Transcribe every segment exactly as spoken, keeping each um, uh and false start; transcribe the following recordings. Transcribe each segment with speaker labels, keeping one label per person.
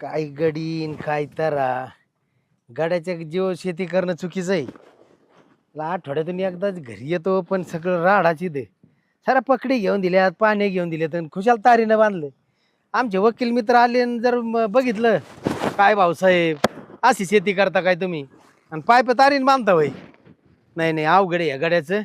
Speaker 1: काय गडीन काय तारा गाड्याच्या जीव शेती करणं चुकीचं आहे. ला आठवड्यातून एकदाच घरी येतो पण सगळं राडाची दे सारा पकडी घेऊन दिल्यात पाणी घेऊन दिलेत आणि खुशाल तारीनं बांधलं. आमचे वकील मित्र आले आणि जर म- बघितलं काय भाऊसाहेब अशी शेती करता काय तुम्ही आणि पायप तारीन बांधता वय. नाही नाही अवघड आहे या गाड्याचं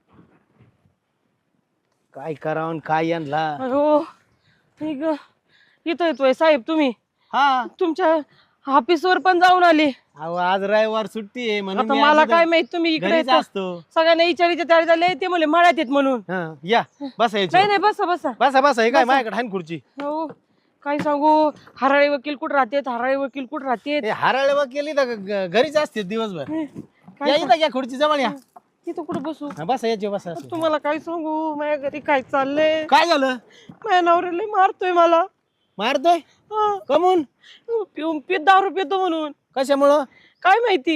Speaker 1: काय करावं आणि काय यांना.
Speaker 2: अहो ठीक इथं येतोय साहेब तुम्ही
Speaker 1: हा
Speaker 2: तुमच्या ऑफिसवर पण जाऊन आले.
Speaker 1: अहो आज रविवार सुट्टी आहे म्हणून
Speaker 2: आता
Speaker 1: मी
Speaker 2: मला
Speaker 1: आज
Speaker 2: काय माहित तुम्ही इकडे
Speaker 1: घरीच
Speaker 2: येता.
Speaker 1: असतो.
Speaker 2: सगळ्यांना विचारायचे तयार झाले ते म्हणले मळ्यात येत म्हणून.
Speaker 1: हा, या बसा याची
Speaker 2: नाही नाही बसा बसा.
Speaker 1: बसा बसा हे काय
Speaker 2: बसा.
Speaker 1: माझ्याकडे आहे ना खुर्ची.
Speaker 2: हो काय सांगू हराळे वकील कुठं राहतेत हराळे वकील कुठं राहतेत.
Speaker 1: हे हराळे वा केली तर ग- घरीच असते दिवसभर.
Speaker 2: काय
Speaker 1: या इथं घ्या खुर्ची जवळ या.
Speaker 2: तिथं कुठं बसू.
Speaker 1: हा, बसा याची बसा असं.
Speaker 2: तुम्हाला काय सांगू माझ्या घरी काय चाललंय.
Speaker 1: काय झालं
Speaker 2: माझ्या नवऱ्याला मारतोय मला.
Speaker 1: मारतोय
Speaker 2: हा.
Speaker 1: कमून
Speaker 2: पिऊन पित दारू पितो म्हणून.
Speaker 1: कशामुळं
Speaker 2: काय माहिती.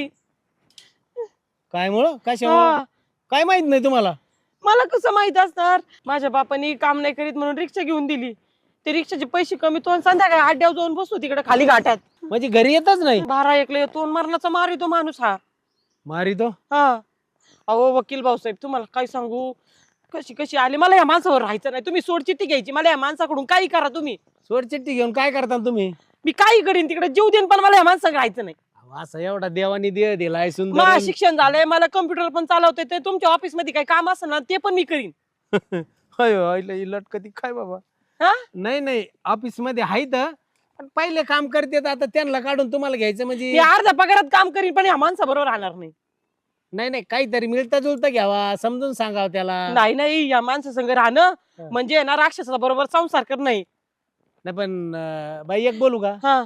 Speaker 1: काय मुळं कशामुळं
Speaker 2: हा.
Speaker 1: काय माहित नाही तुम्हाला.
Speaker 2: मला कसं माहित असणार. माझ्या बापाने काम नाही करीत म्हणून रिक्षा घेऊन दिली. ते रिक्षाचे पैसे कमी तो आणि संध्याकाळी आड्यावर जाऊन बसतो तिकडे खाली घाटात.
Speaker 1: म्हणजे घरी येतच नाही.
Speaker 2: बारा एकला येतो आणि मरणाचा मार येतो माणूस हा.
Speaker 1: मारितो
Speaker 2: हा अहो वकील भाऊसाहेब तुम्हाला काय सांगू कशी कशी आली. मला या माणसावर राहायचं नाही. तुम्ही सोडचिठ्ठी घ्यायची मला या माणसाकडून काही करा तुम्ही.
Speaker 1: सोडचिठ्ठी घेऊन काय करता तुम्ही.
Speaker 2: मी काही करीन तिकडे जीव देईन पण मला या माणसाकडे राहायचं नाही.
Speaker 1: अहो, असं एवढा देवानी देह दिलाय सुंदर.
Speaker 2: मला शिक्षण झालंय मला कम्प्युटर पण चालवता येते. तुमच्या ऑफिस मध्ये काही काम असेल ना ते पण मी करीन.
Speaker 1: होय होय लय लटकती काय बाबा.
Speaker 2: हा
Speaker 1: नाही नाही ऑफिस मध्ये आहेत पण पहिले काम करते आता त्यांना काढून तुम्हाला घ्यायचं
Speaker 2: मी
Speaker 1: म्हणजे.
Speaker 2: अर्ध्या पगारात काम करीन पण या माणसाबरोबर राहणार नाही.
Speaker 1: नाही नाही काहीतरी मिळता जुळता घ्यावा समजून सांगावं त्याला.
Speaker 2: नाही नाही या माणसासंग राहणं
Speaker 1: हा.
Speaker 2: म्हणजे ना राक्षसा बरोबर संसार कर नाही.
Speaker 1: नाही पण अं, बाई एक बोलू का
Speaker 2: हा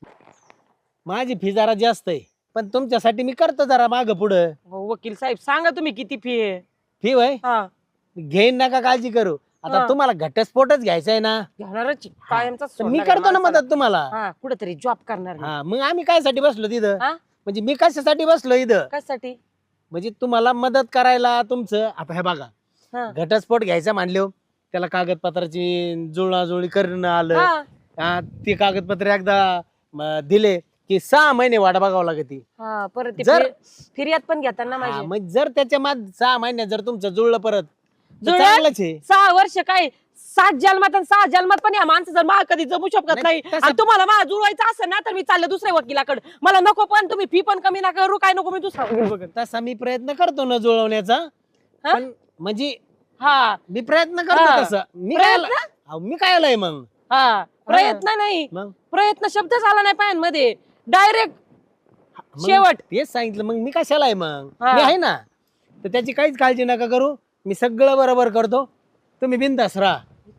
Speaker 1: माझी फी जरा जास्त आहे पण तुमच्यासाठी मी करतो जरा माग पुढं.
Speaker 2: हो, वकील साहेब सांगा तुम्ही किती फी आहे.
Speaker 1: फी होय
Speaker 2: हा
Speaker 1: घेईन नका काळजी करू. आता
Speaker 2: हा.
Speaker 1: तुम्हाला घटस्फोटच घ्यायचा आहे ना
Speaker 2: घेणारच कायमचा
Speaker 1: तर मी करतो ना मदत तुम्हाला.
Speaker 2: हा कुठेतरी जॉब करणार मी.
Speaker 1: हा मग आम्ही कायसाठी बसलो तिथं
Speaker 2: हा?
Speaker 1: म्हणजे मी कशासाठी बसलो इथं
Speaker 2: कशासाठी.
Speaker 1: म्हणजे तुम्हाला मदत करायला तुमचं. आता हे बघा
Speaker 2: हा.
Speaker 1: घटस्फोट घ्यायचा मानलो त्याला कागदपत्राची जुळणाजुळी करणं आलं.
Speaker 2: हा.
Speaker 1: हा, ते कागदपत्र एकदा म, दिले की सहा महिने वाट बघावं लागते.
Speaker 2: हा परत ते
Speaker 1: जर-
Speaker 2: फिर- फिर्याद पण घेतात ना
Speaker 1: हा,
Speaker 2: माझी.
Speaker 1: मग जर त्याच्या माग सहा महिन्यात जर तुमचं जुळलं परत तर
Speaker 2: जुळलं?
Speaker 1: चांगलंच आहे.
Speaker 2: सहा वर्ष काय सात जन्मात आणि सहा जन्मात पण या माणसं जर मा कधी जमू शकत
Speaker 1: नाही,
Speaker 2: नाही
Speaker 1: तसं-
Speaker 2: आणि तुम्हाला मा जुळवायचं असेल ना तर मी चालले दुसऱ्या वकिलाकडे. मला नको पण तुम्ही फी पण कमी नका करू काय नको मी दुसरा वकील बघेन.
Speaker 1: तसा मी प्रयत्न करतो ना जुळवण्याचा.
Speaker 2: हा?
Speaker 1: पण म्हणजे
Speaker 2: हा
Speaker 1: मी प्रयत्न करतो
Speaker 2: हा.
Speaker 1: तसं. मी काय
Speaker 2: प्रयत्न?
Speaker 1: अहो, मी काय आलाय मग
Speaker 2: हा प्रयत्न नाही
Speaker 1: मग
Speaker 2: प्रयत्न शब्द झाला नाही पायांमध्ये डायरेक्ट
Speaker 1: मग
Speaker 2: शेवट.
Speaker 1: तेच सांगितलं मग मी कशाला आहे मग
Speaker 2: हा.
Speaker 1: मी आहे ना. तर त्याची काहीच काळजी नका करू मी सगळं बरोबर करतो. तुम्ही बिनधास्त राहा.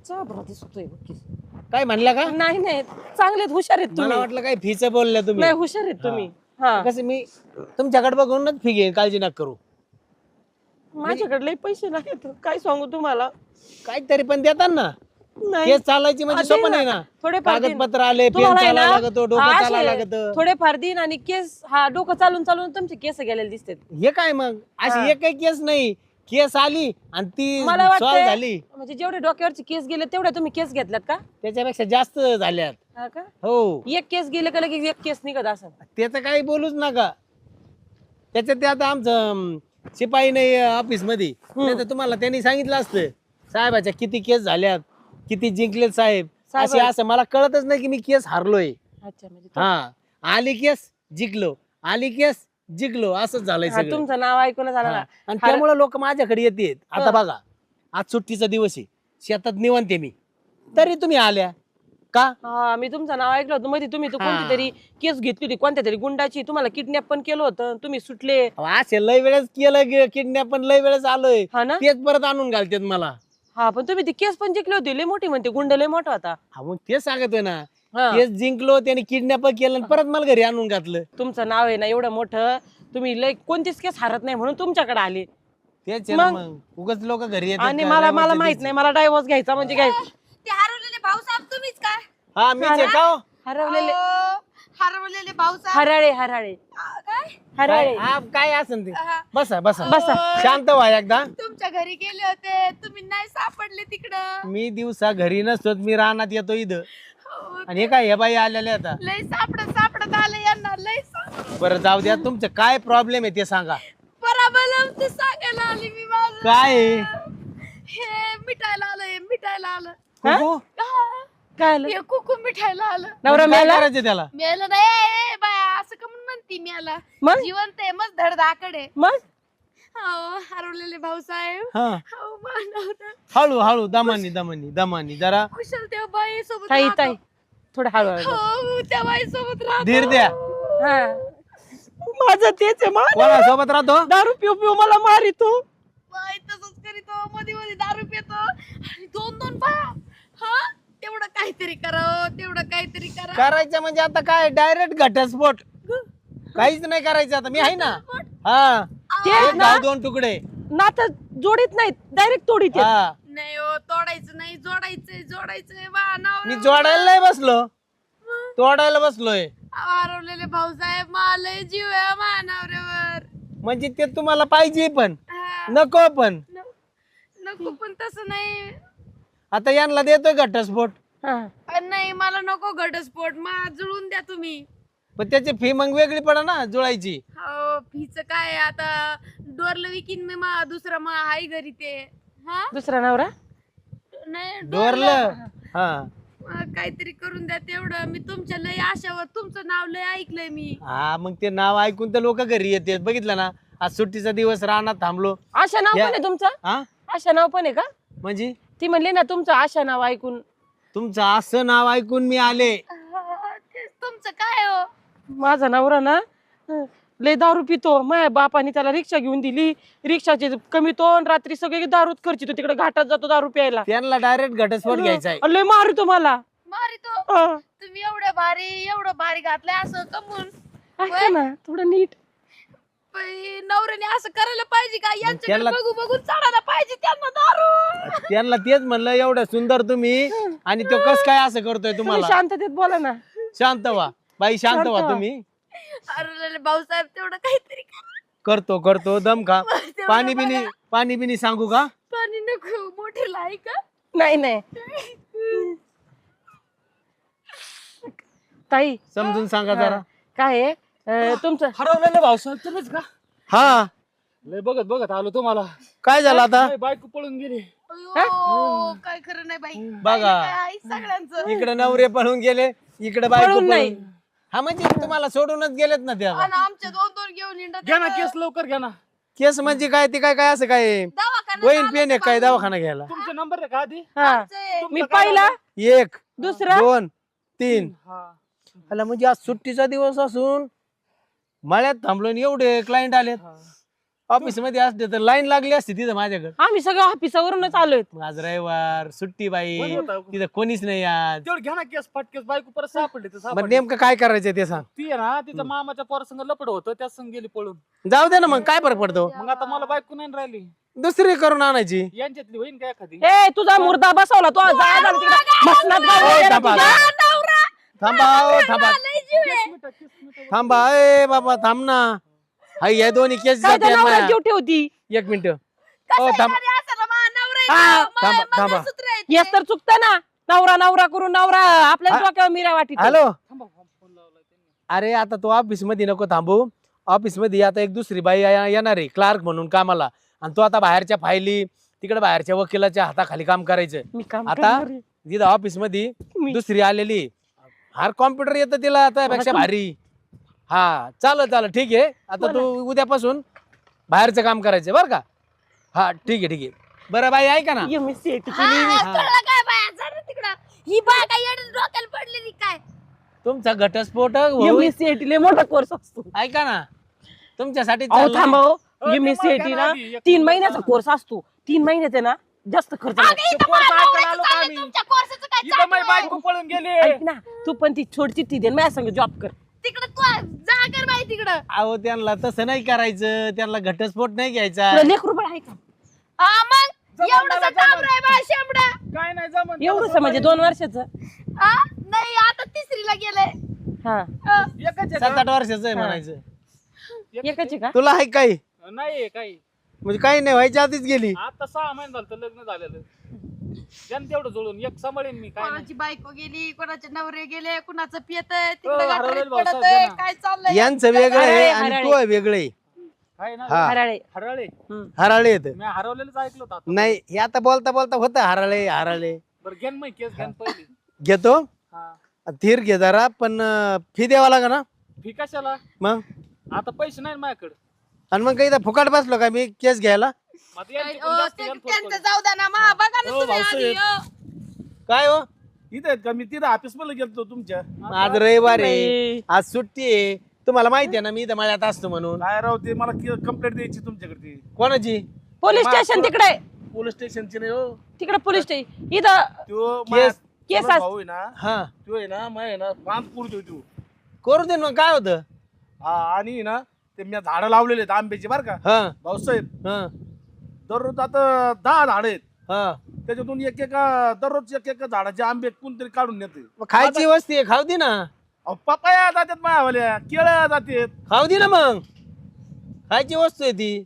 Speaker 1: काय म्हणला का
Speaker 2: नाही नाही चांगलेत हुशार आहेत
Speaker 1: मला
Speaker 2: तुम्ही.
Speaker 1: वाटलं काय फीच बोलल्या तुम्ही.
Speaker 2: नाही हुशार आहेत तुम्ही. हा
Speaker 1: कसं मी तुमच्याकडे बघूनच फी घेईन काळजी नका करू.
Speaker 2: माझ्याकडे लई पैसे नाहीत काय सांगू तुम्हाला.
Speaker 1: काहीतरी पण देतात ना.
Speaker 2: नाही
Speaker 1: केस चालायची म्हणजे
Speaker 2: हा, दे
Speaker 1: सोपं नाही
Speaker 2: ना.
Speaker 1: ना.
Speaker 2: थोडेफार देईन.
Speaker 1: कागदपत्र आले पेन
Speaker 2: तुम्हाला आहे
Speaker 1: चालायला
Speaker 2: ना,
Speaker 1: लागतो डोकं
Speaker 2: हा,
Speaker 1: चालायला
Speaker 2: असे
Speaker 1: लागत.
Speaker 2: थोडेफार दिन आणि केस हा डोकं चालून चालून तुमचे केस गेलेले दिसतात.
Speaker 1: हे काय मग
Speaker 2: हा.
Speaker 1: अशी एकही केस नाही. केस आली आणि ती
Speaker 2: मला
Speaker 1: सॉल्व
Speaker 2: वाटतंय
Speaker 1: झाली
Speaker 2: म्हणजे जेवढे डोक्यावरचे केस गेले तेवढे तुम्ही केस घेतल्यात का.
Speaker 1: त्याच्यापेक्षा जास्त झाल्यात.
Speaker 2: हा का
Speaker 1: हो
Speaker 2: एक केस गेले का लगेच एक केस निघत असं.
Speaker 1: त्याचं काही बोलूच नका. त्याच्यात ते आता आमचं अं, शिपाई नाही ऑफिस मध्ये नाही तर तुम्हाला त्यांनी सांगितलं असतं साहेबाच्या किती केस झाल्यात किती जिंकलेत साहेब.
Speaker 2: साहेब-
Speaker 1: असे असं मला कळतच नाही की मी केस हारलोय.
Speaker 2: अच्छा म्हणजे तो-
Speaker 1: हा आली केस जिंकलो आली केस जिंकलो असंच झालंय
Speaker 2: हा,
Speaker 1: सगळं.
Speaker 2: तुमचं नाव ऐकून झालं
Speaker 1: हा.
Speaker 2: ना.
Speaker 1: आणि
Speaker 2: हार-
Speaker 1: त्यामुळे लोक माझ्याकडे येतात. आता
Speaker 2: हा.
Speaker 1: बघा आज सुट्टीचा दिवस आहे शेतात निवांत आहे मी तरी तुम्ही आल्या का.
Speaker 2: हा मी तुमचं नाव ऐकलं होतं मध्ये तुम्ही तो
Speaker 1: हा.
Speaker 2: कोणती तरी केस घेतली होती कोणत्या तरी गुंडाची तुम्हाला किडनॅप पण केलं होतं तुम्ही सुटले.
Speaker 1: अहो, असे लय वेळेस केलं किडनॅप पण लय वेळेस आलोय
Speaker 2: हा ना
Speaker 1: तेच परत आणून घालतात मला.
Speaker 2: हा पण तुम्ही ती केस पण जिंकली होती लय मोठी म्हणते गुंड लय मोठा होता.
Speaker 1: हा मग तेच सांगतोय ना
Speaker 2: हा.
Speaker 1: केस जिंकलो त्याने किडनॅप केलं आणि परत मला घरी आणून घातलं.
Speaker 2: तुमचं नाव आहे ना एवढं मोठं तुम्ही लय कोणतीच केस हारत नाही म्हणून तुमच्याकडे आले.
Speaker 1: तेच आहे ना
Speaker 2: मग?
Speaker 1: मग उगाच लोक घरी येतात
Speaker 2: आणि
Speaker 1: का?
Speaker 2: मला
Speaker 1: लय
Speaker 2: मला
Speaker 1: मज्जा
Speaker 2: माहित
Speaker 1: द्यायची.
Speaker 2: नाही मला डायव्हर्स घ्यायचा म्हणजे काय.
Speaker 3: ते हरवलेले भाऊसाहेब तुम्हीच काय?
Speaker 1: हा मीच आहे का हो?
Speaker 2: हरवलेले
Speaker 3: अहो, हरवलेले भाऊसाहेब
Speaker 2: हराळे हराळे
Speaker 3: आ, काय?
Speaker 2: हराळे
Speaker 1: काय हा, काय असेल ते
Speaker 3: हा.
Speaker 1: बसा बसा
Speaker 2: बसा.
Speaker 1: शांत व्हा एकदा.
Speaker 3: तुमच्या घरी गेले होते तुम्ही नाही सापडले तिकडं.
Speaker 1: मी दिवसा घरी नसतो मी रानात येतो इथं. आणि हे काय हे बाई आलेले आता.
Speaker 3: लय सापडत सापडत आलं यांना लय सापडत.
Speaker 1: बरं जाऊ द्या, तुमचं काय प्रॉब्लेम आहे ते सांगा.
Speaker 3: पराबलम ते सांगायला आली मी माझं.
Speaker 1: काय आहे?
Speaker 3: हे मिठायला आलं हे मिठायला आलं.
Speaker 1: कुकू?
Speaker 3: हा.
Speaker 2: काय आलं?
Speaker 3: हे कुकू मिठायला आलं.
Speaker 2: नवरा
Speaker 1: काय
Speaker 2: मेला?
Speaker 1: करायचं त्याला?
Speaker 3: मेलं नाही ए, बाया असं का म्हणून म्हणती मेला.
Speaker 2: मग?
Speaker 3: जिवंत आहे मस्त धडधाकडे.
Speaker 2: मग
Speaker 3: हो हरवलेले भाऊसाहेब.
Speaker 1: हा
Speaker 3: हो मानवता.
Speaker 1: हळू हळू दमानी दमानी दमानी जरा
Speaker 3: कुशल त्या बाई सोबत
Speaker 2: ताई
Speaker 3: राहतो.
Speaker 2: ताई थोडं हळू हळू.
Speaker 3: हो त्या बाई सोबत राहतो.
Speaker 1: धीर द्या.
Speaker 2: हा माझं तेच आहे मा
Speaker 1: कोणासोबत राहतो?
Speaker 2: दारू पिऊ पिऊ मला मारितो.
Speaker 3: बाई तसंच करीतो मध्ये मध्ये दारू पितो आणि दोन दोन बाया. हा तेवढं काहीतरी करावं तेवढं काहीतरी करा.
Speaker 1: करायचं म्हणजे आता काय डायरेक्ट घटस्फोट. काहीच नाही करायचं आता, मी आहे ना. हा
Speaker 2: ते
Speaker 1: एक
Speaker 2: ना
Speaker 1: गाव दोन तुकडे.
Speaker 2: नातं जोडीत नाहीत डायरेक्ट तोडीत आहेत.
Speaker 1: हा
Speaker 3: नाही हो तोडायचं नाही जोडायचंय जोडायचंय बा नाव
Speaker 1: मी जोडायला नाही बसलो, तोडायला बसलोय.
Speaker 3: हरवलेले भाऊसाहेब मला जीव आहे मानावऱ्यावर.
Speaker 1: म्हणजे ते तुम्हाला पाहिजे पण
Speaker 3: हा.
Speaker 1: नको पण.
Speaker 3: न- नको पण तसं नाही.
Speaker 1: आता यांना देतोय घटस्फोट,
Speaker 2: हा.
Speaker 3: अ, नाही मला नको घटस्फोट मा जुळून द्या तुम्ही.
Speaker 1: पण त्याची फी मग वेगळी पडा ना जुळायची.
Speaker 3: हो फीच काय आहे आता डोरलं विकीन मी मा दुसरा मा हाय घरी ते. हा
Speaker 2: दुसरा नवरा
Speaker 3: नाही
Speaker 1: डोरलं. हा
Speaker 3: मग काहीतरी करून द्या तेवढं. मी तुमच्या लय आशावर तुमचं नाव लय ऐकलंय मी.
Speaker 1: हा मग ते नाव ऐकून तर लोक घरी येतात. बघितलं ना, आज सुट्टीचा दिवस रानात थांबलो.
Speaker 2: आशा नाव
Speaker 1: या-
Speaker 2: पण आहे तुमचं?
Speaker 1: हा
Speaker 2: आशा नाव पण आहे का?
Speaker 1: म्हणजे
Speaker 2: ती म्हणली ना तुमचं आशा नाव ऐकून.
Speaker 1: तुमचं असं नाव ऐकून मी आले.
Speaker 3: हा, तेच तुमचं काय हो.
Speaker 2: माझा नवरा ना हं, लय दारू पितो. माझ्या बापाने त्याला रिक्षा घेऊन दिली. रिक्षाचे कमी तो आणि रात्री सगळे दारूच खर्चितो. तिकडे घाटात जातो दारू प्यायला.
Speaker 1: त्यांना डायरेक्ट घटस्फोट घ्यायचा आहे.
Speaker 2: अं, लय मारितो मला.
Speaker 3: मारी तो
Speaker 2: अं,
Speaker 3: तुम्ही एवढं भारी एवढं भारी घातलंय असं कमून.
Speaker 2: ऐका ना थोडं नीट.
Speaker 3: बाई, नवऱ्याने असं करायला पाहिजे का? यांच्याकडे
Speaker 1: त्यांना-
Speaker 3: बघू बघून चढायला पाहिजे त्यांना दारू.
Speaker 1: त्यांना तेच म्हणलं, एवढं सुंदर तुम्ही आणि तो कस काय असं करतोय
Speaker 2: तुम्ही
Speaker 1: तुम्हाला.
Speaker 2: शांततेत बोला ना.
Speaker 1: शांत व्हा बाई, शांत
Speaker 2: शांत
Speaker 1: व्हा
Speaker 2: व्हा.
Speaker 1: तुम्ही.
Speaker 3: अरे भाऊसाहेब तेवढं काहीतरी करा.
Speaker 1: करतो करतो दम खा.
Speaker 3: तेवढं
Speaker 1: पाणी
Speaker 3: बघा.
Speaker 1: बिनी पाणी बिनी सांगू का?
Speaker 3: पाणी नको मोठे लाई का?
Speaker 2: नाही नाही ताई
Speaker 1: समजून सांगा जरा.
Speaker 2: काय आहे अं, तुमचं
Speaker 4: हरवलेलं भाऊसाहेब तुम्हीच का?
Speaker 1: हा
Speaker 4: लय बघत बघत आलो तुम्हाला.
Speaker 1: काय झालं आता?
Speaker 4: लय बायको पळून गेली.
Speaker 3: अयो, काय खरं नाही बाई.
Speaker 1: बघा.
Speaker 3: काय आहे सगळ्यांचं.
Speaker 1: इकडे नवरे पळून गेले, इकडे बायको
Speaker 2: पळून नाही.
Speaker 1: पळून. हा म्हणजे तुम्हाला सोडूनच गेलेत ना त्या.
Speaker 3: आणि आमचे दोन दोन घेऊन हिंडत
Speaker 4: घ्या ना
Speaker 3: आहेत.
Speaker 4: केस लवकर घ्या ना.
Speaker 1: केस म्हणजे काय ते काय काय असं काय
Speaker 3: दवाखान्यात
Speaker 1: वहीन
Speaker 3: आलं
Speaker 1: पेन आहे
Speaker 3: तर
Speaker 1: काय
Speaker 3: बाई.
Speaker 1: दवाखाना घ्यायला?
Speaker 4: तुमचा नंबर आहे का आधी?
Speaker 2: हा
Speaker 3: आमचे.
Speaker 2: मी पहिला
Speaker 1: एक
Speaker 2: दुसरा
Speaker 1: दोन तीन.
Speaker 4: हा.
Speaker 1: आला म्हणजे आज सुट्टीचा दिवस असून मळ्यात थांबलो आणि एवढे क्लायंट आलेत. ऑफिस मध्ये असते तर लाईन लागली असती तिथं माझ्याकडे.
Speaker 2: आम्ही सगळं ऑफिसावरूनच आलोय.
Speaker 1: मग आज रविवार सुट्टी बाई,
Speaker 4: कोण होता?
Speaker 1: तिथं कोणीच नाही आज.
Speaker 4: तेवढं घ्या ना केस फाटकेस. बायको परत सापडली तर
Speaker 1: मग
Speaker 4: सापडली.
Speaker 1: नेमकं काय करायचं ते सांग.
Speaker 4: ती आहे ना तिच्या मामाच्या पोरासंग लपड होतं त्या संग गेली पळून.
Speaker 1: जाऊ दे ना, मग काय फरक पडतो.
Speaker 4: मग आता मला बायको नाही राहिली.
Speaker 1: दुसरी करून आणायची.
Speaker 4: यांच्यातली होईन का एखादी?
Speaker 2: ए तुझा मुर्दा बसवला तो जा जा तिकडे मसनात गाव
Speaker 1: ओ,
Speaker 2: वगैरे
Speaker 1: थांबा.
Speaker 2: तुझ्या.
Speaker 1: थांबा ओ, थांबा
Speaker 3: लय जीव आहे.
Speaker 4: मिठा, केस मिठा.
Speaker 1: थांबा. ए बाबा थांब ना. हाय या दोन्ही केस
Speaker 2: काय त्या
Speaker 1: जाते
Speaker 2: नवऱ्यात
Speaker 1: ना.
Speaker 2: जीव ठेवती.
Speaker 1: एक मिनिट.
Speaker 3: कसं
Speaker 1: ओ
Speaker 3: आहे
Speaker 1: थांब.
Speaker 3: घरी असं ना, मा नवरा आहे
Speaker 2: हा,
Speaker 3: ना, मा-
Speaker 1: थांबा, थांबा.
Speaker 3: मंगळसूत्र आहे ते.
Speaker 2: येस तर चुकतं ना. नवरा नवरा करून नवरा आपल्या
Speaker 1: हा.
Speaker 2: डोक्यावर मिरा वाटी.
Speaker 1: हॅलो.
Speaker 4: थांबा, फोन लावलाय त्यांनी.
Speaker 1: अरे आता तो ऑफिस मध्ये नको थांबू. ऑफिस मध्ये आता एक दुसरी बाई या- येणार आहे क्लार्क म्हणून कामाला. आणि तो आता बाहेरच्या फायली तिकडे बाहेरच्या वकिलाच्या हाताखाली काम करायचं.
Speaker 2: मी काम
Speaker 1: आता
Speaker 2: करणार आहे.
Speaker 1: तिथं ऑफिस मध्ये
Speaker 2: मी-
Speaker 1: दुसरी आलेली. हार कॉम्प्युटर येतं तिला त्यापेक्षा
Speaker 2: तुम-
Speaker 1: भारी. हा चालेल चालेल ठीक आहे. आता तू उद्यापासून बाहेरचं काम करायचं बरं का? हा ठीक आहे ठीक आहे. बरं बाई ऐका ना.
Speaker 2: ये मी सेट
Speaker 3: हा,
Speaker 2: केली.
Speaker 3: हा, कळलं काय बाया जा ना तिकडं. ही बाय काय येडून डोक्याला पडलेली काय?
Speaker 1: तुमचा घटस्फोट
Speaker 2: ये
Speaker 1: होईल.
Speaker 2: मी सेट लय मोठा कोर्स असतो.
Speaker 1: ऐका ना, तुमच्यासाठी
Speaker 2: अहो
Speaker 1: चाललंय.
Speaker 2: थांबव.
Speaker 4: अ,
Speaker 2: ये मी
Speaker 4: ते मला
Speaker 2: सेट
Speaker 4: घ्या
Speaker 2: ना
Speaker 4: ना आधी, एक
Speaker 2: तीन
Speaker 4: मिनिट
Speaker 2: महिन्याचा
Speaker 4: जरा.
Speaker 2: कोर्स असतो. तीन महिन्याचे ना जास्त खर्च
Speaker 3: अगं,
Speaker 2: लागतो.
Speaker 3: इथं
Speaker 4: कोर्स
Speaker 3: मला
Speaker 4: ऐकायला
Speaker 3: नवऱ्याचं
Speaker 4: आलो का
Speaker 3: चाललंय,
Speaker 4: आम्ही?
Speaker 3: तुमच्या कोर्साचं काय
Speaker 4: इथं माझी
Speaker 3: चाललंय?
Speaker 4: बायको पळून गेली.
Speaker 2: ऐक ना तू पण ती छोट चिठ्ठी दे माझ्या संग जॉब कर.
Speaker 3: तिकडं तू जा कर बाई तिकडं.
Speaker 1: अहो त्यांना तसं नाही करायचं. त्यांना घटस्फोट नाही घ्यायचा.
Speaker 2: तुला लेख रुपये आहे का?
Speaker 3: हा मग
Speaker 4: जमन
Speaker 3: एवढंसं
Speaker 4: मला,
Speaker 3: टाप
Speaker 4: जमन.
Speaker 3: रे बा शेंबडा.
Speaker 4: काय नाही जमन.
Speaker 2: एवढंच म्हणजे दोन वर्षाचं.
Speaker 3: हा नाही आता तिसरीला गेलंय.
Speaker 2: हा
Speaker 3: हा.
Speaker 4: एकच आहे
Speaker 1: सात
Speaker 4: का?
Speaker 1: आठ वर्षाचं आहे
Speaker 2: हा.
Speaker 1: म्हणायचं.
Speaker 2: एकच आहे का?
Speaker 1: तुला आहे काही
Speaker 4: नाही काही.
Speaker 1: म्हणजे काही नाही व्हायच्या आधीच गेली.
Speaker 4: आता सहा महिने झालं तर लग्न झालेलं. जन तेवढं जुळून एक सांभाळेन मी काय नाही.
Speaker 3: कोणाची बायको गेली, कोणाचे नवरे गेले, कुणाचं पियतय
Speaker 4: हो,
Speaker 3: तिकडे
Speaker 4: हरवलेलं
Speaker 3: गटारीत
Speaker 4: भाऊसाहेब
Speaker 3: पडतंय,
Speaker 4: आहे ना.
Speaker 3: काय चाललंय
Speaker 1: यांचं वेगळं आहे
Speaker 2: हराळे,
Speaker 1: आणि
Speaker 2: हराळे.
Speaker 1: तो वेगळं आहे.
Speaker 4: काय ना
Speaker 1: हा.
Speaker 2: हराळे
Speaker 4: हरवले
Speaker 1: हराळे येत
Speaker 4: मी हरवलेलंच ऐकलं होतं आता.
Speaker 1: नाही हे आता बोलता बोलता होतं हराळे हराळे
Speaker 4: बरं घेन मग केस घेन पहिली.
Speaker 1: घेतो
Speaker 4: हा
Speaker 1: धीर घे जरा पण अं, फी द्यावा लागा ना
Speaker 4: फी कशाला
Speaker 1: मग
Speaker 4: आता पैसे नाही माझ्याकडे.
Speaker 1: आणि मग काही इथं फुकाट बसलो का मी केस घ्यायला
Speaker 4: मग आता यांची
Speaker 3: काय,
Speaker 4: पण
Speaker 3: अ,
Speaker 4: जास्त
Speaker 3: ते-
Speaker 4: यानं फोन
Speaker 3: त्यांचं
Speaker 4: करू.
Speaker 3: जाऊ द्या ना मा बघा ना
Speaker 5: हो,
Speaker 3: तुम्ही
Speaker 5: भाऊसाहेब.
Speaker 3: आधी, अ.
Speaker 1: काय हो
Speaker 5: इथे आहेत का मी तिथं ऑफिस मध्ये गेलतो तुमच्या
Speaker 1: आज रविवार आहे
Speaker 2: बाई.
Speaker 1: आज सुट्टी आहे तुम्हाला माहिती आहे ना मी इथं माझ्यात असतो म्हणून
Speaker 5: काय राव ते मला कंप्लेंट द्यायची तुमच्याकडे
Speaker 1: कोणाची
Speaker 2: पोलीस स्टेशन तिकडे
Speaker 5: पोलीस स्टेशनची नाही हो
Speaker 2: तिकडे पोलीस स्टेशन इथं
Speaker 5: तो
Speaker 1: केस-
Speaker 2: केस
Speaker 5: माझा
Speaker 2: अस-
Speaker 5: भाऊ आहे ना
Speaker 1: हा
Speaker 5: तो आहे ना माय आहे ना पाच पुरतो तू
Speaker 1: करू दे ना मग काय होतं
Speaker 5: हा आणि ना ते मी झाडं लावलेले आहेत आंब्याची बरं का
Speaker 1: हा
Speaker 5: भाऊसाहेब
Speaker 1: हा
Speaker 5: दररोज आता दहा झाड आहेत
Speaker 1: हा
Speaker 5: त्याच्यातून एक एका दररोज एक एका झाडाचे आंबे कोणतरी काढून नेते
Speaker 1: मग खायची वस्ती आहे खाऊ दे ना
Speaker 5: पपाया जातात मायावाल्या केळ्या जातात
Speaker 1: खाऊ दे ना मग खायची वस्तू आहे ती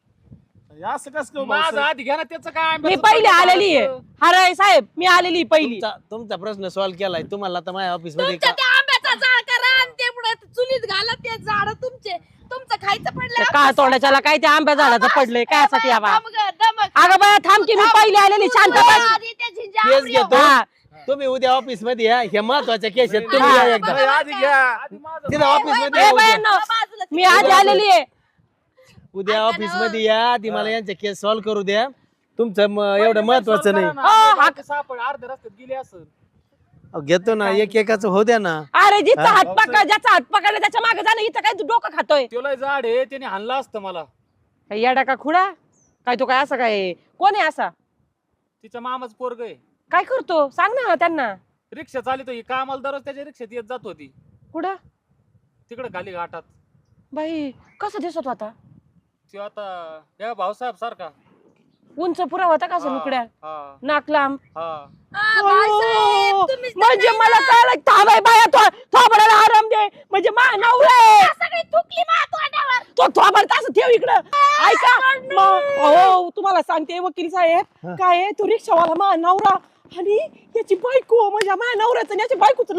Speaker 5: हे असं कस काय
Speaker 4: माझं
Speaker 5: भाऊसाहेब?
Speaker 4: आधी घ्या ना त्याचं काय
Speaker 2: मी
Speaker 4: आंब्याचं
Speaker 2: पहिली
Speaker 4: तोंड
Speaker 2: आलेली आहे
Speaker 4: काढायचं.
Speaker 2: हराळे साहेब मी आलेली पहिली
Speaker 1: तुमचा तुमचा प्रश्न सॉल्व्ह केलाय तुम्हाला आता माझ्या ऑफिस मध्ये
Speaker 3: तुमच्या
Speaker 1: का-
Speaker 3: त्या आंब्याचा झाड करा आणि ते पुढे चुलीत घाला ते झाड तुमचे तुमचं खायचं पडलं
Speaker 2: काय तोंडाच्याला काय त्या आंब्या झाडाचं पडलंय काय साठी आबा
Speaker 3: दमक- दमक.
Speaker 2: अगं बाया थांब की मी पहिली आलेली शांत बस
Speaker 3: आधी त्या झिंजा
Speaker 1: केस
Speaker 3: आवऱ्या.
Speaker 1: घेतो
Speaker 2: हा.
Speaker 1: तुम्ही उद्या ऑफिस मध्ये या हे महत्वाच्या केस आहेत तुम्ही
Speaker 2: हा.
Speaker 1: या एकदा
Speaker 5: नाही, आधी घ्या
Speaker 4: आधी माझं
Speaker 1: तिथं ऑफिस मध्ये
Speaker 2: ए
Speaker 1: या उद्या.
Speaker 2: बायांनो,
Speaker 3: बाजूला
Speaker 2: मी आधी आलेली आहे
Speaker 1: उद्या ऑफिस मध्ये या आधी मला यांच्या केस सॉल्व्ह करू द्या तुमचं म- एवढं महत्वाचं नाही
Speaker 4: करा ना.
Speaker 2: हो, हा.
Speaker 4: ते सापड अर्ध्या रस्त्यात गेले असं
Speaker 1: अहो, घेतो ना एक एकाच हो द्या ना
Speaker 2: अरे जिथं
Speaker 1: हा.
Speaker 2: हात पकड ज्याचा हात पकडला त्याच्या मागे जाणं इथं काय तू डोकं खातोय
Speaker 4: त्याला झाड आहे त्याने हाणलं असतं मला.
Speaker 2: काय येडा का खुडा काय तो काय असं काय कोण आहे असा
Speaker 4: तिच्या मामाच पोरग आहे.
Speaker 2: काय करतो सांग ना त्यांना
Speaker 4: रिक्षा चालितो ही कामाला दररोज त्याच्या रिक्षात येत जात होती
Speaker 2: कुठं
Speaker 4: तिकडे खाली घाटात.
Speaker 2: बाई कसं दिसत होता
Speaker 4: तो आता या भाऊसाहेब सारखा.
Speaker 2: उंच पुरा होता का असं
Speaker 4: हा,
Speaker 2: लुकड्या
Speaker 4: हा,
Speaker 2: नाक लांब
Speaker 4: हा.
Speaker 3: आ, बाळासाहेब,
Speaker 2: अयो,
Speaker 3: तुम्हीच तर
Speaker 2: म्हणजे
Speaker 3: नाही
Speaker 2: मला
Speaker 3: ना.
Speaker 2: कळलं थांबाय बाया तो थोबडाला आराम दे म्हणजे मा नवरा आहे.
Speaker 3: सगळी थुकली मा तोंडावर.
Speaker 2: तो थोबड असं ठेव इकडं ऐका मग हो तुम्हाला सांगते वकील साहेब काय आहे, तो रिक्षावाला मा नवरा आणि याची बायको म्हणजे माझ्या नवऱ्याचं आणि याची बायकोचं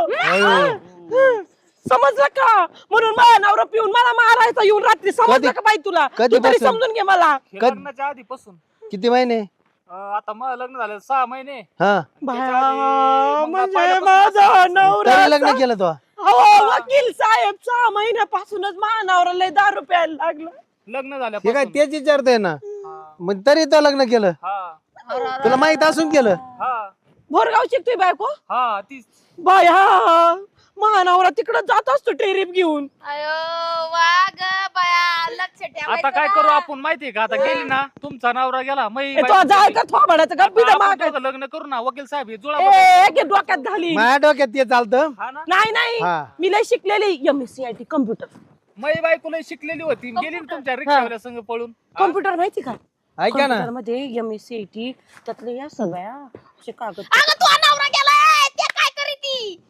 Speaker 2: लपड समजलं का म्हणून माझा नवरा पिऊन मला मारायचा येऊन रात्री समजलं
Speaker 1: कधी-
Speaker 2: का बाई तुला
Speaker 1: कधी
Speaker 2: तू तरी
Speaker 1: बसून?
Speaker 2: समजून घे मला
Speaker 4: हे
Speaker 1: कद-
Speaker 4: लग्नाच्या आधीपासून
Speaker 1: किती महिने
Speaker 4: अं, आता मग लग्न झालं सहा महिने.
Speaker 1: हा
Speaker 2: बाया,
Speaker 4: मग
Speaker 2: म्हणजे
Speaker 4: पहिल्यापासून
Speaker 2: माझा नवरा
Speaker 1: तरी लग्न केलं तो
Speaker 2: हो वकील साहेब सहा महिन्यापासूनच माझा नवरा लय दारू प्यायला लागलं
Speaker 4: लग्न
Speaker 1: हे काय
Speaker 4: झाल्यापासून.
Speaker 1: तेच विचारतोय ना
Speaker 4: हा,
Speaker 1: मग तरी तो लग्न केलं
Speaker 4: हा,
Speaker 1: तुला माहित असून केलं
Speaker 4: हा,
Speaker 2: भोरगाव शिकतोय बायको
Speaker 4: हा, तीच.
Speaker 2: बाया महानवरा तिकडे जात असतो ट्रेरिप घेऊन
Speaker 3: अयो वाग बया लक्ष ठेवायचं
Speaker 4: आता काय
Speaker 3: ना.
Speaker 4: करू आपण माहितीये का आता गेली ना तुमचा नवरा गेला मै
Speaker 2: ए, तो जाय का थोबाडाचं का पिढा माग
Speaker 4: लग्न करू ना वकील साहेब हे जुळा
Speaker 2: ए एक डोक्यात घाली
Speaker 1: माझ्या डोक्यात ते चालतं
Speaker 4: हा ना
Speaker 2: नाही नाही
Speaker 1: हा
Speaker 2: मी लय शिकलेली M S C I T computer
Speaker 4: मै बायको लय शिकलेली होती गेली ना तुमच्या रिक्षावाल्या संग पळून. हा?
Speaker 2: कम्प्युटर माहिती का
Speaker 1: ऐका ना
Speaker 2: कम्प्युटर मध्ये M S C I T त्यातले या सगळ्या असे कागद
Speaker 3: अगं तू नवरा गेलाय ते काय करीती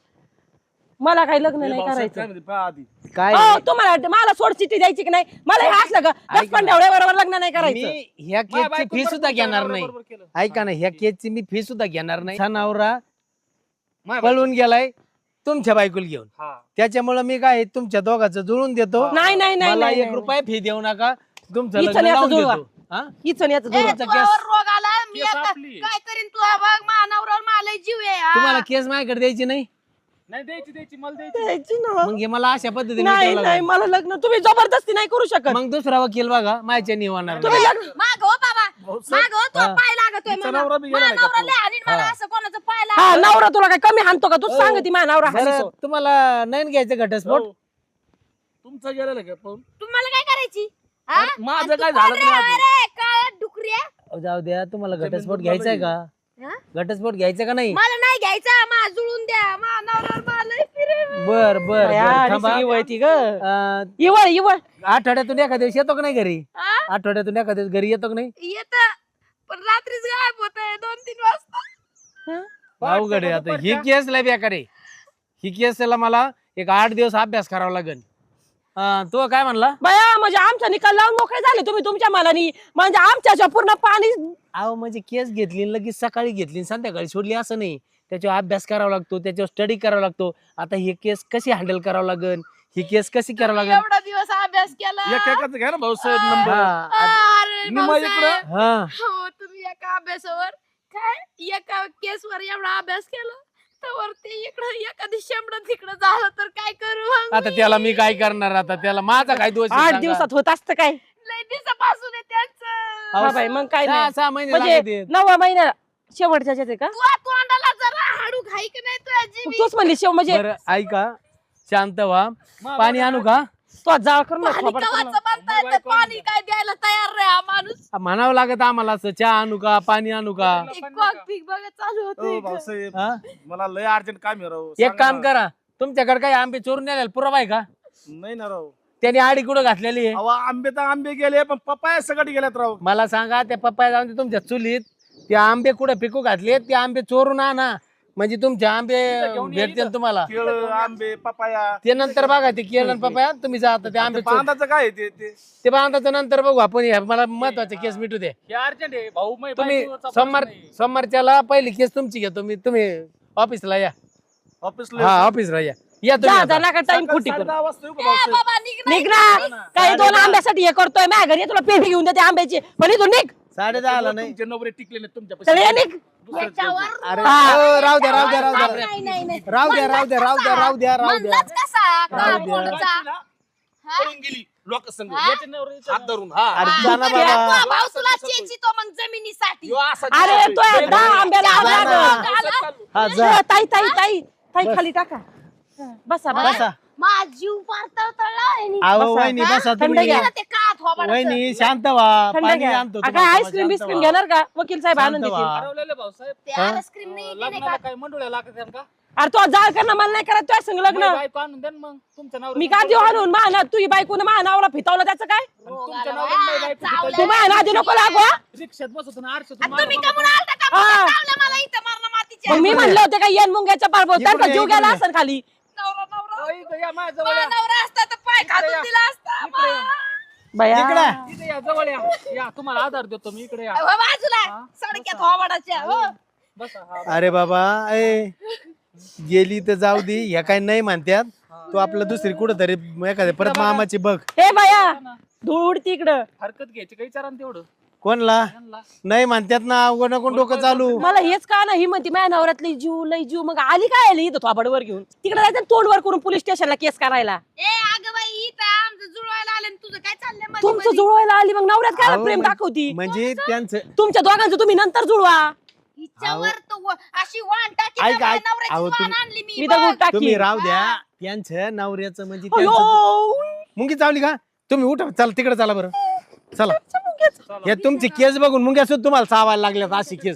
Speaker 2: मला काही लग्न नाही
Speaker 5: भाऊसाहेब
Speaker 2: करायचं
Speaker 5: काय म्हणते, पहा आधी
Speaker 1: काय
Speaker 2: हो तुम्हाला वाटतं मला सोड चिठ्ठी द्यायची की नाही मला हे असलं का
Speaker 1: ऐका
Speaker 2: दस पण
Speaker 1: ना.
Speaker 2: बरोबर लग्न नाही करायचं
Speaker 1: मी ह्या
Speaker 4: माझ्या
Speaker 1: केसची
Speaker 4: बायकोनं
Speaker 1: फी
Speaker 4: बरोबर
Speaker 1: सुद्धा
Speaker 4: तुमच्या
Speaker 1: घेणार नाही
Speaker 4: नवऱ्याबरोबर केलं.
Speaker 1: ऐका ना ह्या केसची मी फी सुद्धा घेणार नाही हा नवरा
Speaker 4: माझ्या बायको-
Speaker 1: पळून गेलाय तुमच्या बायकोला घेऊन
Speaker 4: हा.
Speaker 1: त्याच्यामुळे मी काय तुमच्या दोघांचं जुळून देतो
Speaker 2: नाही नाही नाही
Speaker 1: मला
Speaker 2: नाही,
Speaker 1: एक
Speaker 2: नाही.
Speaker 1: रुपया फी देऊ नका तुमचं
Speaker 2: हिचं
Speaker 1: लग्न
Speaker 2: याचं
Speaker 1: लावून
Speaker 2: जुळवा.
Speaker 1: देतो हा?
Speaker 2: हीच आणि याचं
Speaker 3: ए,
Speaker 2: जुळवा.
Speaker 1: तुमचा
Speaker 3: तुझ्यावर
Speaker 1: केस-
Speaker 3: रोग आला मी
Speaker 4: केस
Speaker 3: आता
Speaker 4: आपली.
Speaker 3: काय करीन तू बघ मा नवऱ्यावर मला जीव आहे हा.
Speaker 1: तुम्हाला केस माझ्याकडे द्यायची नाही
Speaker 4: नाही द्यायची द्यायची मला द्यायची
Speaker 2: द्यायची ना.
Speaker 1: मग हे मला अशा पद्धतीने
Speaker 2: नाही
Speaker 1: विचारावं
Speaker 2: नाही
Speaker 1: लागेल.
Speaker 2: मला लग्न तुम्ही जबरदस्ती नाही करू शकत
Speaker 1: मग दुसरा वकील बघा माझ्या निवाणार
Speaker 2: तुम्ही लग्न
Speaker 3: माग हो बाबा माग हो तो
Speaker 1: हा.
Speaker 3: पाय लागतोय
Speaker 5: तिचा
Speaker 3: मला
Speaker 5: नवरा बी
Speaker 3: मा
Speaker 5: गेलाय का
Speaker 3: नवरा
Speaker 5: तो?
Speaker 3: लय आणि मला
Speaker 1: हा.
Speaker 3: असं कोणाचं पाय
Speaker 2: हा
Speaker 3: लागतोय.
Speaker 2: नवरा तुला काय कमी हाणतो का तू सांगती माझा नवरा
Speaker 1: बरं,
Speaker 2: हाणतो.
Speaker 1: तुम्हाला नाही घ्यायचं घटस्फोट
Speaker 5: हो. तुमचा गेलेला का पाहून
Speaker 3: तुम्हाला काय करायची हा?
Speaker 5: माझं
Speaker 3: आणि तू
Speaker 5: काय झालं
Speaker 3: कोण
Speaker 5: तरी
Speaker 3: रे?
Speaker 5: आधी.
Speaker 3: अरे काळ्या डुकऱ्या
Speaker 1: अहो, जाऊ द्या तुम्हाला
Speaker 5: जमीन
Speaker 1: घटस्फोट
Speaker 5: पण
Speaker 1: घ्यायचा आहे
Speaker 5: मला
Speaker 1: का
Speaker 3: हा?
Speaker 1: घटस्फोट घ्यायचा का नाही
Speaker 3: मला नाही घ्यायचा मा जुळून द्या मा नवऱ्यावर मला लय फिरव.
Speaker 1: बर बर
Speaker 2: बाया,
Speaker 1: बर,
Speaker 2: आणि
Speaker 1: थांबा.
Speaker 2: सगळी वळती ग
Speaker 1: अं,
Speaker 2: इवळ इवळ
Speaker 1: आठवड्यातून एखाद्या दिवशी येतो का नाही घरी
Speaker 3: हा?
Speaker 1: आठवड्यातून एखाद्या दिवस घरी येतो का नाही
Speaker 3: येत पण रात्रीच गायब होत दोन तीन वाजता
Speaker 1: अवघड आहे आता ही केस लय बेकार आहे ही केसला मला एक आठ दिवस अभ्यास करावा लागेल हा, तो काय म्हणला?
Speaker 2: बया म्हणजे आमचा निकाल लावून मोकळे झाले तुम्ही तुमच्या मनानी म्हणजे आमच्या पूर्ण पाणी
Speaker 1: अहो म्हणजे केस घेतली आणि लगेच सकाळी घेतली आणि संध्याकाळी सोडली असं नाही. त्याच्यावर अभ्यास करावा लागतो, त्याच्यावर स्टडी करावा लागतो. आता ही केस कशी हँडल करावं लागेल, ही केस कशी करावं लागेल.
Speaker 3: एवढा दिवस अभ्यास केला
Speaker 5: एक एकाच घ्या ना भाऊसाहेब नंबर.
Speaker 1: हा,
Speaker 3: अरे
Speaker 5: निम्मा
Speaker 3: भाऊसाहेब.
Speaker 5: इकडं.
Speaker 1: हा.
Speaker 3: हो तुम्ही एका अभ्यासावर काय एका केसवर एवढा अभ्यास केला तर ते इकडं एखादी शेंबड तिकडं झालं तर काय करू मग
Speaker 1: आता
Speaker 3: मी?
Speaker 1: त्याला मी काय करणार? आता त्याला माझा काय दोष आहे
Speaker 2: आठ
Speaker 1: सांगा?
Speaker 2: दिवसात होत असतं काय
Speaker 3: लय दिवसापासून आहे त्यांचं
Speaker 1: अहो,
Speaker 2: हा बाई मग काय
Speaker 1: सहा
Speaker 2: नाही
Speaker 1: सहा महिने
Speaker 2: म्हणजे
Speaker 1: लागते.
Speaker 2: नववा महिना शेवटच्या ह्याच्यात आहे का
Speaker 3: तू तोंडाला जरा हाडू खाई की नाही तुझ्या जीवी
Speaker 2: तूच म्हणली शेव म्हणजे
Speaker 1: बरं ऐका, शांत व्हा. पाणी आणू का?
Speaker 2: तो जाळ कर ना
Speaker 3: पाणी
Speaker 2: थोबाड कर
Speaker 3: कवाचं
Speaker 2: ना.
Speaker 3: म्हणताय तर पाणी काय द्यायला तयार रे हा माणूस
Speaker 1: म्हणावं लागत आम्हाला असं, चहा आणू का, पाणी आणू का?
Speaker 3: कॉक पीक बघा चालू
Speaker 5: ओ
Speaker 3: होतं
Speaker 5: भाऊसाहेब
Speaker 1: हा?
Speaker 5: मला लय अर्जंट काम आहे राव.
Speaker 1: एक
Speaker 5: सांगा
Speaker 1: काम
Speaker 5: ना.
Speaker 1: करा, तुमच्याकडे काही आंबे चोरून नेलेले पुरावा आहे का?
Speaker 5: नाही ना राव.
Speaker 1: त्याने आडी कुठं घातलेली आहे?
Speaker 5: अहो आंबे तर आंबे गेले पण पप्पाया सगळी गेल्यात राव.
Speaker 1: मला सांगा, त्या पप्पाया जाऊन ते तुमच्या चुलीत ते आंबे कुठं पिकू घातले, ते आंबे चोरून आणा म्हणजे तुमचे आंबे
Speaker 4: घेऊन ये
Speaker 1: भेटतील
Speaker 4: इथं.
Speaker 1: तुम्हाला.
Speaker 5: केळ आंबे पपाया.
Speaker 1: ते नंतर बघा, ते केलं आणि पप्पाया तुम्ही जा आता ते आंबे चोर-
Speaker 5: बांधाचं काय आहे ते ते
Speaker 1: ते बांधाचं नंतर बघू आपण. हे मला महत्वाचे केस मिटू दे.
Speaker 4: हे अर्जंट आहे भाऊ मै
Speaker 1: तुम्ही
Speaker 4: बायकोचा
Speaker 1: सोमवार
Speaker 4: प्रश्न आहे.
Speaker 1: सोमवारच्याला पहिली केस तुमची घेतो मी. तुम्ही ऑफिसला या.
Speaker 5: ऑफिसला
Speaker 1: हा ऑफिसला या या
Speaker 2: जा
Speaker 1: तुम्ही
Speaker 2: जा
Speaker 1: आता.
Speaker 2: नका टाइम
Speaker 5: सकाळी
Speaker 2: खोटी करू
Speaker 5: साडेदहा वाजता येऊ का
Speaker 3: ए,
Speaker 5: भाऊसाहेब?
Speaker 3: बाबा निघ
Speaker 2: निघ ना काही दोन आंब्यासाठी हे करतोय माझ्या घरी ये, तुला पेढी घेऊन देते आंब्याची पण तू निघ
Speaker 1: साडे दहा आला नाही.
Speaker 5: तुमचे नवरे टिकले नाही तुमच्या
Speaker 2: चल ये निघ
Speaker 3: याच्यावर
Speaker 1: अरे
Speaker 2: हा.
Speaker 1: ओ, राहू द्या राहू द्या राहू द्या
Speaker 3: नाही, नाही, नाही.
Speaker 1: राहू द्या राहू द्या राहू द्या राहू द्या राहू द्या.
Speaker 3: म्हणलाच कसा
Speaker 1: राहू द्या.
Speaker 3: कोणचा? हा?
Speaker 5: पळून गेली लोक संग
Speaker 3: हा?
Speaker 4: याचे नवरे याचे
Speaker 5: हात धरून हा
Speaker 1: अरे
Speaker 3: हा,
Speaker 1: जा ना
Speaker 3: तू
Speaker 1: बाबा.
Speaker 3: भाऊ तुला चेचितो मग जमिनीसाठी
Speaker 5: ह्यो असा
Speaker 2: अरे
Speaker 5: दिसतोय.
Speaker 2: तो दहा आंब्याला
Speaker 3: जा
Speaker 2: आग
Speaker 3: ना.
Speaker 2: लागल.
Speaker 1: हा जा
Speaker 2: ताई ताई ताई ताई खाली टाका बसा बसा
Speaker 1: बसा.
Speaker 3: माझा जीव फार तळतळला आहे नी.
Speaker 1: अहो
Speaker 2: बसा.
Speaker 1: वहिनी बसा
Speaker 2: थंड
Speaker 1: तुम्ही.
Speaker 2: घ्या.
Speaker 3: गेलं ते का थोबाडाचं.
Speaker 1: वहिनी शांत व्हा.
Speaker 2: थंड
Speaker 1: पाणी
Speaker 2: घ्या
Speaker 1: आणतो
Speaker 2: आ,
Speaker 1: तुम्हाला,
Speaker 2: काय आईस्क्रीम
Speaker 1: शांत
Speaker 2: बिस्क्रीम
Speaker 1: व्हा.
Speaker 2: घेणार का वकील साहेब आणून
Speaker 1: शांत
Speaker 2: देतील
Speaker 1: व्हा.
Speaker 4: हरवलेले भाऊसाहेब
Speaker 3: ते आईस्क्रीम नाही घेणे
Speaker 4: लग्नाला
Speaker 3: का?
Speaker 4: काय मंडोळ्या लागत आहेत का?
Speaker 2: अरे तो जाळ कर ना मला नाही करत तुझ्या संग लग्न
Speaker 4: मै बायको आणून द्या ना मग तुमच्या नवऱ्याचं
Speaker 2: मी का देऊ आणून मा तुझी बायकोनं मा नावाला फितावलं त्याचं काय
Speaker 4: तुमच्या
Speaker 3: रोगाला
Speaker 4: नवऱ्याला मै
Speaker 3: बाया,
Speaker 4: बायको
Speaker 3: चावलं.
Speaker 2: तू माझ्या नादी नको लागू हा.
Speaker 4: रिक्षात बसतो ना आरशातून
Speaker 3: आणि तुम्ही
Speaker 4: मागं
Speaker 3: कमून आलता का?
Speaker 2: हा.
Speaker 3: चावलं मला इथं मारणं मातीच्या.
Speaker 2: मग मी म्हणलं होते का येन मुंग्याच्या पार
Speaker 1: इकडे
Speaker 2: त्यांचा
Speaker 1: या,
Speaker 2: जीव
Speaker 1: इकडे
Speaker 2: गेला
Speaker 1: या.
Speaker 2: असेल खाली
Speaker 3: नवरा, नवरा.
Speaker 4: बघा. इथं या माझ्या जवळ
Speaker 3: माझा
Speaker 4: या.
Speaker 3: नवरा असता तर पाय
Speaker 4: इकडे
Speaker 3: खाजून
Speaker 4: या.
Speaker 3: दिला असता.
Speaker 4: इकडे या.
Speaker 2: बया
Speaker 1: इकडे.
Speaker 4: इथं या जवळ या या तुम्हाला आधार देतो मी इकडे या
Speaker 3: अहो, बाजूला
Speaker 4: हा?
Speaker 3: सडक्यात थोबाडाच्या हो.
Speaker 4: बसा हा.
Speaker 1: अरे बाबा ए गेली तर जाऊ दे. ह्या काय नाही म्हणत्यात. तू आपलं दुसरी कुठं तरी एखाद्या परत मामाची बघ.
Speaker 2: हे बया धूळ उडती इकडं
Speaker 4: हरकत घ्यायची काही विचारा ना तेवढं
Speaker 1: कोणला
Speaker 4: यांना.
Speaker 1: नाही म्हणतात ना. कोण कोण डोकं चालू.
Speaker 2: मला हेच का ना ही म्हणती माझ्या नवऱ्यातली जीव लई जीव मग आली काय आली इथं थोबाडवर घेऊन तिकडे जायचं तोंडवर करून पोलीस स्टेशनला केस करायला
Speaker 3: ए अगं बाई इथं आमचं जुळवायला आलं आणि तुझं काय चाललंय मध्ये
Speaker 2: तुमचं
Speaker 3: मध्ये?
Speaker 2: जुळवायला आली मग नवऱ्यात काय
Speaker 1: अहो,
Speaker 2: प्रेम
Speaker 1: म्हण-
Speaker 2: दाखवती
Speaker 1: म्हणजे त्यांचं
Speaker 2: तुमच्या दोघांचं तुम्ही नंतर जुळवा
Speaker 3: हिच्यावर तो व- अशी वाण टाकी
Speaker 1: ऐक,
Speaker 3: ना,
Speaker 1: ऐक.
Speaker 3: नवऱ्याची
Speaker 1: अहो,
Speaker 3: वाण
Speaker 1: तुम्ही-
Speaker 3: आणली मी
Speaker 2: मी
Speaker 3: बघ.
Speaker 2: दगड
Speaker 1: तुम्ही
Speaker 2: टाकी
Speaker 1: राहू द्या. त्यांचं नवऱ्याचं म्हणजे
Speaker 2: अयो,
Speaker 1: त्यांचं मुंगी चावली का? तुम्ही उठा चला तिकडे चला बरं. चला हे तुमची केस बघून मुंग्या सुद्धा तुम्हाला चावायला लागल्यात अशी केस.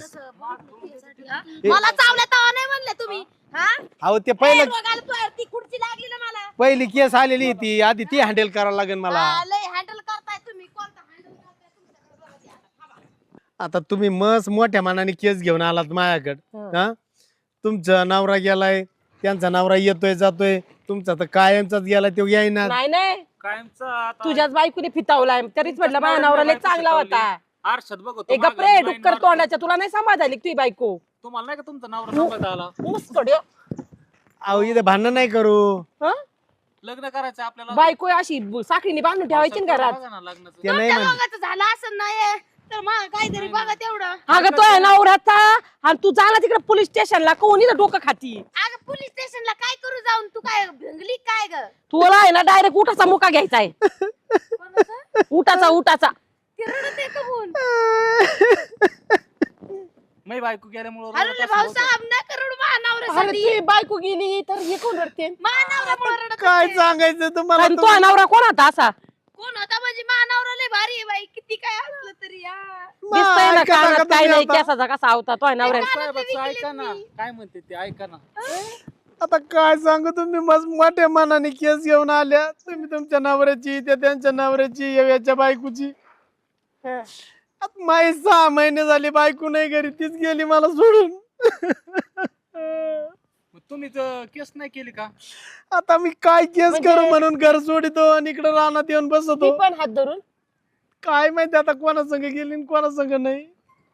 Speaker 3: हा? मला चावल्या तेव्हा नाही म्हणले तुम्ही हा
Speaker 1: अहो ते
Speaker 3: ए,
Speaker 1: पहिलं
Speaker 3: रोगाला तू- ती खुर्ची लागली ना मला
Speaker 1: पहिली केस आलेली ती आधी ती हँडल करावं लागेल मला.
Speaker 3: हा, लय हँडल करताय तुम्ही कोणता हँडल करताय तुमच्याकडे बघा ते आता. थांबा.
Speaker 1: आता तुम्ही मस्त मोठ्या मनाने केस घेऊन आलात माझ्याकडे. हा तुमचा नवरा गेलाय, त्यांचा नवरा येतोय जातोय, तुमचा तर कायमचाच गेला तो येईना.
Speaker 2: नाही नाही
Speaker 4: कायमचा आता
Speaker 2: तुझ्याच बायकोने फितावलाय तरीच म्हटलं माझ्या नवरा लय चांगला होता
Speaker 4: आरशात बघतो
Speaker 2: एक
Speaker 4: मागं
Speaker 2: गप्रे
Speaker 4: माईन
Speaker 2: डुक्कर
Speaker 4: मारतो.
Speaker 2: तोंडाच्या तुला नाही सांभाळायली तुझी बायको
Speaker 4: तुम्हाला नाही का तुमचा नवरा सांभाळता आला
Speaker 2: मुस्कडे
Speaker 1: अहो इथे भांडण नाही करू.
Speaker 2: हं?
Speaker 4: लग्न करायचं आपल्याला
Speaker 2: बायको अशी साखळीने बांधून ठेवायची ना घरात
Speaker 4: बघा ना लग्नाचं
Speaker 1: ते नाही
Speaker 3: तुमच्या
Speaker 1: म्हणत.
Speaker 3: दोघांचं झालं असं नाही तर मग काहीतरी बघा तेवढं
Speaker 2: अगं तो आहे नवऱ्याचा आणि तू जाणार तिकडे पोलीस स्टेशनला कोणी डोकं खाती
Speaker 3: अगं पोलीस स्टेशनला काय करू जाऊन तू काय भंगली काय ग
Speaker 2: तुला आहे ना डायरेक्ट उठाचा मुका घ्यायचा आहे
Speaker 3: कोणाचं?
Speaker 2: उठाचा उठाचा
Speaker 3: ते रडत आहे कबूल.
Speaker 4: मी बायको गेल्यामुळे
Speaker 3: अरे भाऊसाहेब नका रडू
Speaker 2: अरे
Speaker 3: महानवऱ्यासाठी
Speaker 2: तुझी बायको गेली तर हे कोण रडते
Speaker 3: महानवऱ्यामुळे रडत
Speaker 1: काय
Speaker 3: होते.
Speaker 1: सांगायचं तुम्हाला?
Speaker 2: आणि तो आहे नवरा कोण होता असा
Speaker 3: कोण होता म्हणजे महानवरा लय भारी आहे बाई किती काय असलं तरी या
Speaker 2: दिसतंय ना
Speaker 1: ऐका,
Speaker 2: कानात
Speaker 1: ऐका
Speaker 2: काय
Speaker 1: तुम्ही
Speaker 2: नाही
Speaker 1: आता.
Speaker 2: केसाचा कसा होता तो आहे नवऱ्या
Speaker 4: साहेबाचं ऐका ना काय म्हणते ते ऐका ना
Speaker 1: आता काय सांगू तुम्ही मस्त मोठ्या मनाने केस घेऊन आल्या. तुम्ही तुमच्या नवऱ्याची त्या त्यांच्या नवऱ्याची याच्या बायकोची. आता माई सहा महिने झाले बायको नाही घरी तीच गेली मला सोडून.
Speaker 4: मग तुम्ही केस नाही केली का?
Speaker 1: आता मी काय केस
Speaker 2: म्हणजे-
Speaker 1: करू म्हणून घर सोडितो आणि इकडे रानात येऊन
Speaker 2: ती
Speaker 1: बसतो.
Speaker 2: पण हात धरून
Speaker 1: काय माहिती आता कोणा संग गेली आणि कोणा संग नाही.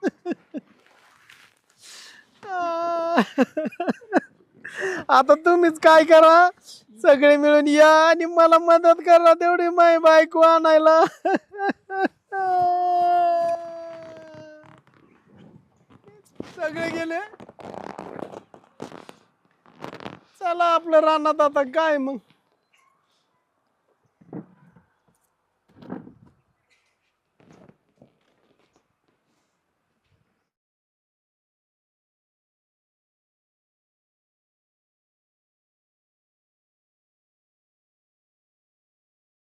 Speaker 1: आता तुम्हीच काय करा, सगळे मिळून या आणि मला मदत करा तेवढी माय बायको आणायला. सगळे गेले. चला आपलं रानात आता काय मग.